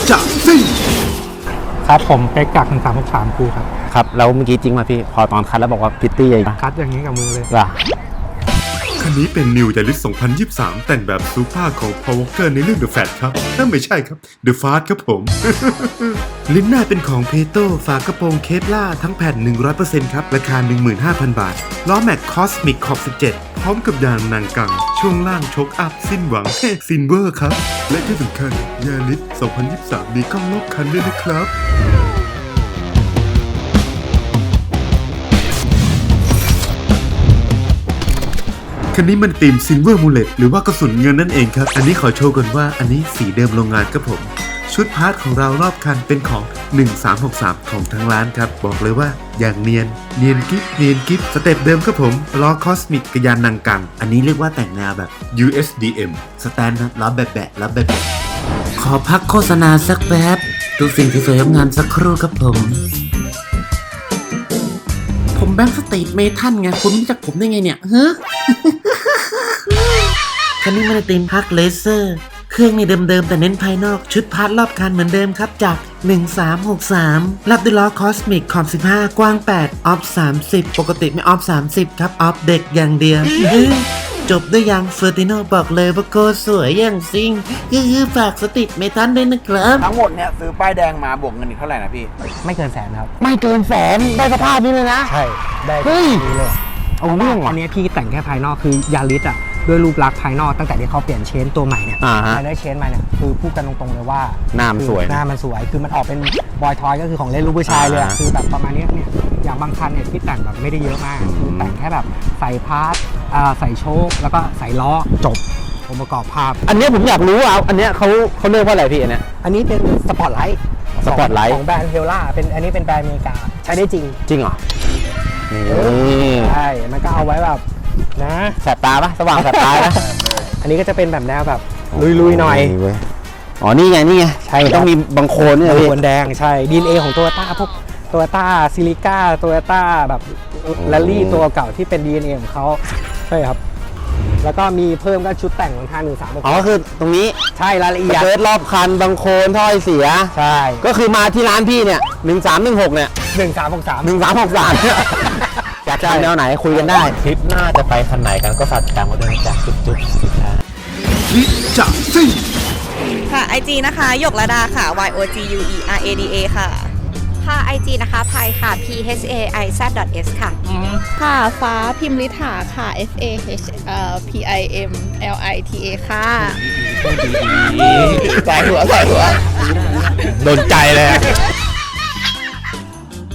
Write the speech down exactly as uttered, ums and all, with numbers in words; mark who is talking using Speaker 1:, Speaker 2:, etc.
Speaker 1: จะซิ่ง
Speaker 2: ครับผมเป๊กจากหนึ่งสามหกสามครูครับ
Speaker 3: ครับแล้วเมื่อกี้จริงมาพี่พอตอนคัดแล้วบอกว่าพิตตี้ยัง
Speaker 2: คัดอย่างนี้กับมือเลย
Speaker 3: ว่ะ
Speaker 1: คันนี้เป็น New Yaris สองพันยี่สิบสามแต่งแบบซูเปอร์ของ Paul Walker ในเรื่อง The Fat ครับนั่นไม่ใช่ครับ The Fast ครับผม ลิ้นหน้าเป็นของเพโตฝากระโปรงเคปล่าทั้งแผ่น หนึ่งร้อยเปอร์เซ็นต์ ครับ ราคา หนึ่งหมื่นห้าพัน บาท ล้อแม็กคอสมิกขอบสิบเจ็ดพร้อมกับยางนางกัง ช่วงล่างชกอัพสิ้นหวังเฮ้ซินเวอร์ครับ และที่สำคัญ Yaris สองพันยี่สิบสามมีกล้องรอบคันด้วยนะครับ คันนี้มันตีมซิลเวอร์มูเลตหรือว่ากระสุนเงินนั่นเองครับ อันนี้ขอโชว์ก่อนว่าอันนี้สีเดิมโรงงานครับผม ชุดพาร์ทของเรารอบคันเป็นของ หนึ่งสามหกสาม ของทางร้านครับ บอกเลยว่าอย่างเนียน เนียนกิฟเนียนกิฟสเต็ปเดิมครับผมล้อคอสมิกกระยานนางกัง อันนี้เรียกว่าแต่งแนวแบบ ยู เอส ดี เอ็ม สแตนนะล้อแบบแบะล้อแบบแบะขอพักโฆษณาสักแป๊บดูสิ่งที่สวยงามสักครู่ครับผมผมแบงค์สตรีทเมทัลไงคุณรู้จักผมได้ไงเนี่ยฮะ คันนี้มันในธีมพักเลเซอร์เครื่องนี่เดิมๆแต่เน้นภายนอกชุดพาร์ทรอบคันเหมือนเดิมครับจากหนึ่งสามหกสามรับด้วยล้อคอสมิกขอบสิบห้ากว้างแปดออฟสามสิบปกติไม่ออฟสามสิบครับออฟเด็กอย่างเดียว จบด้วยยางเฟอร์ติโนบอกเลยว่าโคตรสวยอย่างซิงคือฝากสติดเมทัลด้วยนะครับ
Speaker 4: ทั้งหมดเนี่ยซื้อป้ายแดงมาบวกเงินอีกเท่าไหร่นะพี่
Speaker 2: ไม่เกินแสนครับ
Speaker 3: ไม่เกินแสนได้สภาพนี้เลยนะ
Speaker 2: ใช่ได้
Speaker 3: เฮ้ย
Speaker 2: นี้เลย
Speaker 3: เอาเรื่องว่ะ
Speaker 2: อันนี้พี่แต่งแค่ภายนอกคือยาริสอ่ะด้วยรูปลักษณ์ภายนอกตั้งแต่ที่เขาเปลี่ยนเชนตัวใหม่เนี่ย
Speaker 3: อ่าฮะ
Speaker 2: ภายได้เชนมาเนี่ยคือพูดกันตรงๆเลยว่า
Speaker 3: หน้ามันสวยนะ
Speaker 2: หน้ามันสวยคือมันออกเป็นบอยทอยก็คือของเล่นลูกผู้ชายเลยอะ
Speaker 3: อ่า
Speaker 2: คือแบบประมาณเนี้ยเนี่ยอย่างบางคันเนี่ยที่แต่งแบบไม่ได้เยอะมากคือแต่งแค่แบบใส่พาร์ทอ่าใส่โชคแล้วก็ใส่ล้อจบองค์ประกอบภาพ
Speaker 3: อันเนี้ยผมอยากรู้อ่ะอันเนี้ยเขาเขาเรียกว่าอะไรพี่อันเนี้ย
Speaker 2: อันนี้เป็นสปอร์ตไลท์
Speaker 3: สปอร์ตไลท์
Speaker 2: ของแบรนด์เฮลล่าเป็นอันนี้เป็นแบรนด์อเมริกาใช้ได้จริง
Speaker 3: จริงเหรอนี่
Speaker 2: ใช่มันก็เอาไว้แบบนะ
Speaker 3: แสบตาปะสว่างแสบตานะ
Speaker 2: อันนี้ก็จะเป็นแบบแนวแบบลุยๆหน่อย
Speaker 3: เว้ยอ๋อนี่ไงนี่ไง
Speaker 2: ใช่
Speaker 3: ต้องมีบางโคนเนี่ย
Speaker 2: บาง
Speaker 3: พี่
Speaker 2: โคนแดงใช่ดีเอ็นเอของโตโยต้าพวกโตโยต้าซิลิก้าโตโยต้าแบบแรลลี่ตัวเก่าที่เป็น ดี เอ็น เอ ของเขาใช่ครับ แล้วก็มีเพิ่มก็ชุดแต่งของทางหนึ่งสาม
Speaker 3: อ๋อคือตรงนี้
Speaker 2: ใช่รายละเอียด
Speaker 3: เกิดรอบคันบางโคนถ้อยเสีย
Speaker 2: ใช่
Speaker 3: ก็คือมาที่ร้านพี่เนี่ยหนึ่งสามหนึ่งหกเนี่ย
Speaker 2: หนึ่งสามหกสาม
Speaker 3: หนึ่งสามหกสามอยากทำแนวไหนคุยกันได้ทริปหน้าจะไปคันไหนกันก็ฝากติดตามกันด้วยนะจ๊ะจุ๊บจุ๊บ
Speaker 1: คิดจะซิ่ง
Speaker 5: ค่ะ ไอ จี นะคะ หยกระดาค่ะ y o g u e r a d a ค่ะ
Speaker 6: ค่ะ ไอ จี นะคะพายค่ะ p h a i z s ค่ะ
Speaker 7: ค่ะฟ้าพิมลิถาค่ะ f a h เอ่อ p i m l i t a ค่ะ
Speaker 4: ใส่หัวใส่หัว
Speaker 3: โดนใจเลย